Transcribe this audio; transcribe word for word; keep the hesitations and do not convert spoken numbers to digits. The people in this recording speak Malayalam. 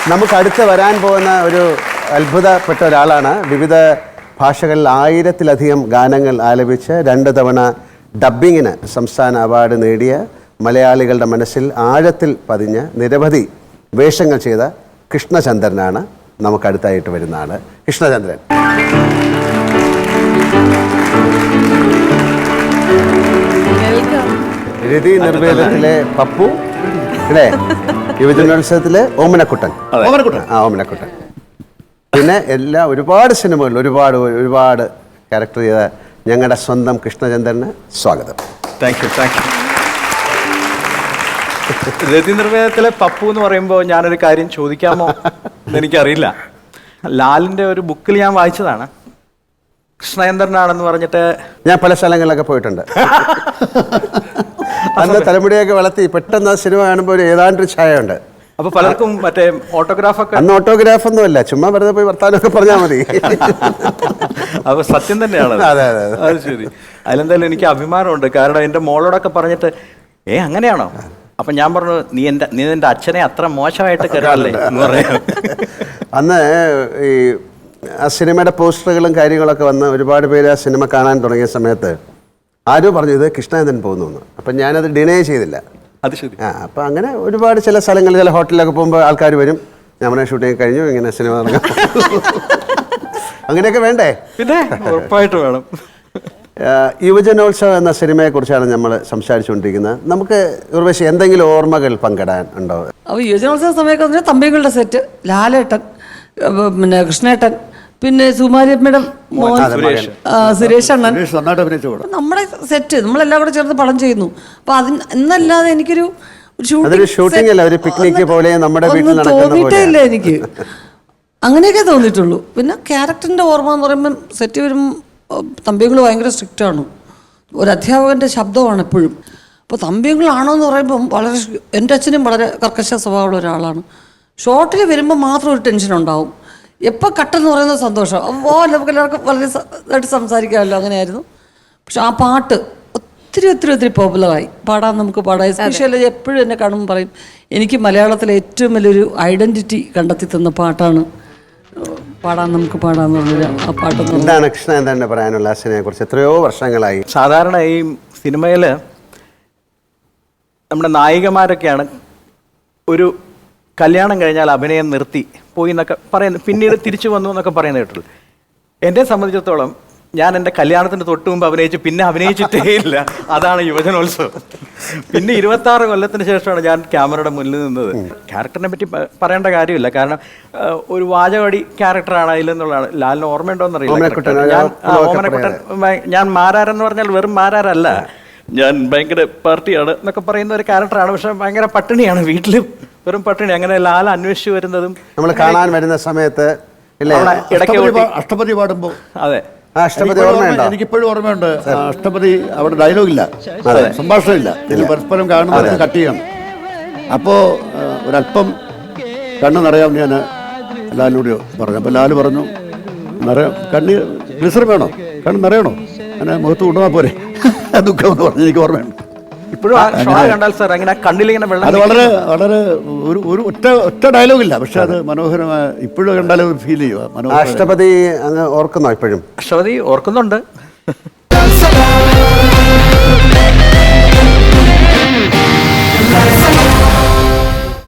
നമുക്ക് അടുത്ത് വരാൻ പോകുന്ന ഒരു അത്ഭുതപ്പെട്ട ഒരാളാണ്. വിവിധ ഭാഷകളിൽ ആയിരത്തിലധികം ഗാനങ്ങൾ ആലപിച്ച് രണ്ട് തവണ ഡബ്ബിങ്ങിന് സംസ്ഥാന അവാർഡ് നേടിയ, മലയാളികളുടെ മനസ്സിൽ ആഴത്തിൽ പതിഞ്ഞ് നിരവധി വേഷങ്ങൾ ചെയ്ത കൃഷ്ണചന്ദ്രനാണ് നമുക്കടുത്തായിട്ട് വരുന്ന ആള്. കൃഷ്ണചന്ദ്രൻ. രതി നിർവേദത്തിലെ പപ്പു അല്ലേ? യുവജനോത്സവത്തിലെ ഓമനക്കുട്ടൻ. ആ ഓമനക്കുട്ടൻ. പിന്നെ എല്ലാ ഒരുപാട് സിനിമകളിൽ ഒരുപാട് ഒരുപാട് ക്യാരക്ടർ ചെയ്ത ഞങ്ങളുടെ സ്വന്തം കൃഷ്ണചന്ദ്രന് സ്വാഗതം. Thank you thank you. രതി നിർവേദത്തിലെ പപ്പു എന്ന് പറയുമ്പോൾ ഞാനൊരു കാര്യം ചോദിക്കാമോ എന്നെനിക്കറിയില്ല. ലാലിൻ്റെ ഒരു ബുക്കിൽ ഞാൻ വായിച്ചതാണ്. കൃഷ്ണചന്ദ്രനാണെന്ന് പറഞ്ഞിട്ട് ഞാൻ പല സ്ഥലങ്ങളിലൊക്കെ പോയിട്ടുണ്ട്. അന്ന് തലമുടിയൊക്കെ വളർത്തി പെട്ടെന്ന് ആ സിനിമ കാണുമ്പോൾ ഒരു ഏതാണ്ടൊരു ഛായ ഉണ്ട്. അപ്പൊ പലർക്കും മറ്റേ ഓട്ടോഗ്രാഫൊക്കെ. അന്ന് ഓട്ടോഗ്രാഫ് ഒന്നും അല്ല, ചുമ്മാ വെറുതെ പോയി വർത്താനമൊക്കെ പറഞ്ഞാൽ മതി. അപ്പൊ സത്യം തന്നെയാണ്. അതെ അതെ അത് ശരി. അതിലെന്തായാലും എനിക്ക് അഭിമാനമുണ്ട്. കാരണം എൻ്റെ മോളോടൊക്കെ പറഞ്ഞിട്ട് ഏ അങ്ങനെയാണോ? അപ്പൊ ഞാൻ പറഞ്ഞു നീ എൻ്റെ നീ എൻ്റെ അച്ഛനെ അത്ര മോശമായിട്ട് കരുതല്ലേ എന്ന് പറയാം. അന്ന് ഈ ആ സിനിമയുടെ പോസ്റ്ററുകളും കാര്യങ്ങളൊക്കെ വന്ന് ഒരുപാട് പേര് ആ സിനിമ കാണാൻ തുടങ്ങിയ സമയത്ത് ആരോ പറഞ്ഞു ഇത് കൃഷ്ണചന്ദ്രൻ പോകുന്നു. അപ്പം ഞാനത് ഡിനേ ചെയ്തില്ല. അത് ശരി. ആ അപ്പം അങ്ങനെ ഒരുപാട് ചില സ്ഥലങ്ങളിൽ ചില ഹോട്ടലിലൊക്കെ പോകുമ്പോൾ ആൾക്കാർ വരും, നമ്മുടെ ഷൂട്ടിങ് കഴിഞ്ഞു ഇങ്ങനെ സിനിമ തുടങ്ങാം. അങ്ങനെയൊക്കെ വേണ്ടേ? പിന്നെ ഉറപ്പായിട്ട് വേണം. യുവജനോത്സവം എന്ന സിനിമയെക്കുറിച്ചാണ് നമ്മൾ സംസാരിച്ചുകൊണ്ടിരിക്കുന്നത്. നമുക്ക് ഉർവശി എന്തെങ്കിലും ഓർമ്മകൾ പങ്കിടാൻ ഉണ്ടോ? അപ്പോൾ യുവജനോത്സവ സമയമൊക്കെ തമ്പികളുടെ സെറ്റ്, ലാലേട്ടൻ, പിന്നെ കൃഷ്ണേട്ടൻ, പിന്നെ സുമാരിയമ്മയുടെ മോൻ സുരേഷ് അണ്ണൻ, നമ്മുടെ സെറ്റ് നമ്മളെല്ലാം കൂടെ ചേർന്ന് പടം ചെയ്യുന്നു. അപ്പൊ അതിന് എന്നല്ലാതെ എനിക്കൊരു ഷൂട്ടിംഗ് അല്ല, ഒരു പിക്നിക് പോലെ നമ്മുടെ വീട്ടിൽ തോന്നിയിട്ടേ ഇല്ല എനിക്ക്. അങ്ങനെയൊക്കെ തോന്നിയിട്ടുള്ളൂ. പിന്നെ ക്യാരക്ടറിന്റെ ഓർമ്മ എന്ന് പറയുമ്പോൾ സെറ്റ് വരും തമ്പികൾ ഭയങ്കര സ്ട്രിക്റ്റ് ആണ്. ഒരു അധ്യാപകന്റെ ശബ്ദമാണ് എപ്പോഴും. അപ്പോൾ തമ്പികളാണോ എന്ന് പറയുമ്പം വളരെ, എൻ്റെ അച്ഛനും വളരെ കർക്കശ സ്വഭാവമുള്ള ഒരാളാണ്. ഷോർട്ടിൽ വരുമ്പോൾ മാത്രം ഒരു ടെൻഷൻ ഉണ്ടാവും. എപ്പോൾ കട്ടെന്ന് പറയുന്നത് സന്തോഷം. അപ്പോൾ നമുക്ക് എല്ലാവർക്കും വളരെ ഇതായിട്ട് സംസാരിക്കാമല്ലോ, അങ്ങനെയായിരുന്നു. പക്ഷെ ആ പാട്ട് ഒത്തിരി ഒത്തിരി ഒത്തിരി പോപ്പുലറായി, പാടാൻ നമുക്ക് പാടാം. എസ്പെഷ്യലി എപ്പോഴും എന്നെ കാണുമ്പോൾ പറയും എനിക്ക് മലയാളത്തിലെ ഏറ്റവും വലിയൊരു ഐഡൻറ്റിറ്റി കണ്ടെത്തി തന്ന പാട്ടാണ് പാടാൻ നമുക്ക് പാടാന്ന് പറഞ്ഞൊരു ആ പാട്ട്. എന്താണ് കൃഷ്ണചന്ദ്രൻ്റെ പറയാനുള്ള സിനിമയെ കുറിച്ച്? എത്രയോ വർഷങ്ങളായി. സാധാരണ ഈ സിനിമയിൽ നമ്മുടെ നായികമാരൊക്കെയാണ് ഒരു കല്യാണം കഴിഞ്ഞാൽ അഭിനയം നിർത്തി പോയി എന്നൊക്കെ പറയുന്നു, പിന്നീട് തിരിച്ചു വന്നു എന്നൊക്കെ പറയുന്നത് കേട്ടുള്ളൂ. എന്നെ സംബന്ധിച്ചിടത്തോളം ഞാൻ എൻ്റെ കല്യാണത്തിന് തൊട്ട് മുമ്പ് അഭിനയിച്ചു, പിന്നെ അഭിനയിച്ചിട്ടേ ഇല്ല. അതാണ് യുവജനോത്സവം. പിന്നെ ഇരുപത്തി ആറ് കൊല്ലത്തിന് ശേഷമാണ് ഞാൻ ക്യാമറയുടെ മുന്നിൽ നിന്നത്. ക്യാരക്ടറിനെ പറ്റി പറയേണ്ട കാര്യമില്ല, കാരണം ഒരു വാചകടി ക്യാരക്ടറാണ് അതിലെന്നുള്ളതാണ്. ലാലിന് ഓർമ്മയുണ്ടോയെന്നറിയില്ല. ഞാൻ ഓമനക്കുട്ടൻ, ഞാൻ മാരാരെന്ന് പറഞ്ഞാൽ വെറും മാരാരല്ല, ഞാൻ ഭയങ്കര പാർട്ടിയാണ് എന്നൊക്കെ പറയുന്ന ഒരു ക്യാരക്ടറാണ്. പക്ഷെ ഭയങ്കര പട്ടിണിയാണ്, വീട്ടിൽ വെറും പട്ടിണി. അങ്ങനെ ലാൽ അന്വേഷിച്ച് വരുന്നതും നമ്മൾ കാണാൻ വരുന്ന സമയത്ത് അഷ്ടപതി പാടുമ്പോൾ. അതെ, അഷ്ടപതി ഓർമ്മയുണ്ടോ? എനിക്കിപ്പോഴും ഓർമ്മയുണ്ട്. അഷ്ടപതി അവിടെ ഡയലോഗില്ല, സംഭാഷണമില്ല, പരസ്പരം കാണുന്നത് കട്ട് ചെയ്യണം. അപ്പോൾ ഒരല്പം കണ്ണ് നിറയാമെന്ന് ഞാൻ ലാലിനോട് പറഞ്ഞു. അപ്പോൾ ലാല് പറഞ്ഞു നിറയാം, കണ്ണ് ഗ്ലിസർ വേണോ, കണ്ണ് നിറയണോ, അങ്ങനെ മുഖത്ത് കൊണ്ടുപോകാൻ പോരെ ദുഃഖം എന്ന് പറഞ്ഞു. എനിക്ക് ഓർമ്മയുണ്ട് ഇപ്പോഴും. അത് വളരെ വളരെ ഒരു ഒരു ഒറ്റ ഒറ്റ ഡയലോഗില്ല, പക്ഷെ അത് മനോഹരമായ, ഇപ്പോഴും കണ്ടാലും ഫീൽ ചെയ്യുക. അഷ്ടപതി അങ്ങ് ഓർക്കുന്നോ? ഇപ്പോഴും അഷ്ടപതി ഓർക്കുന്നുണ്ട്.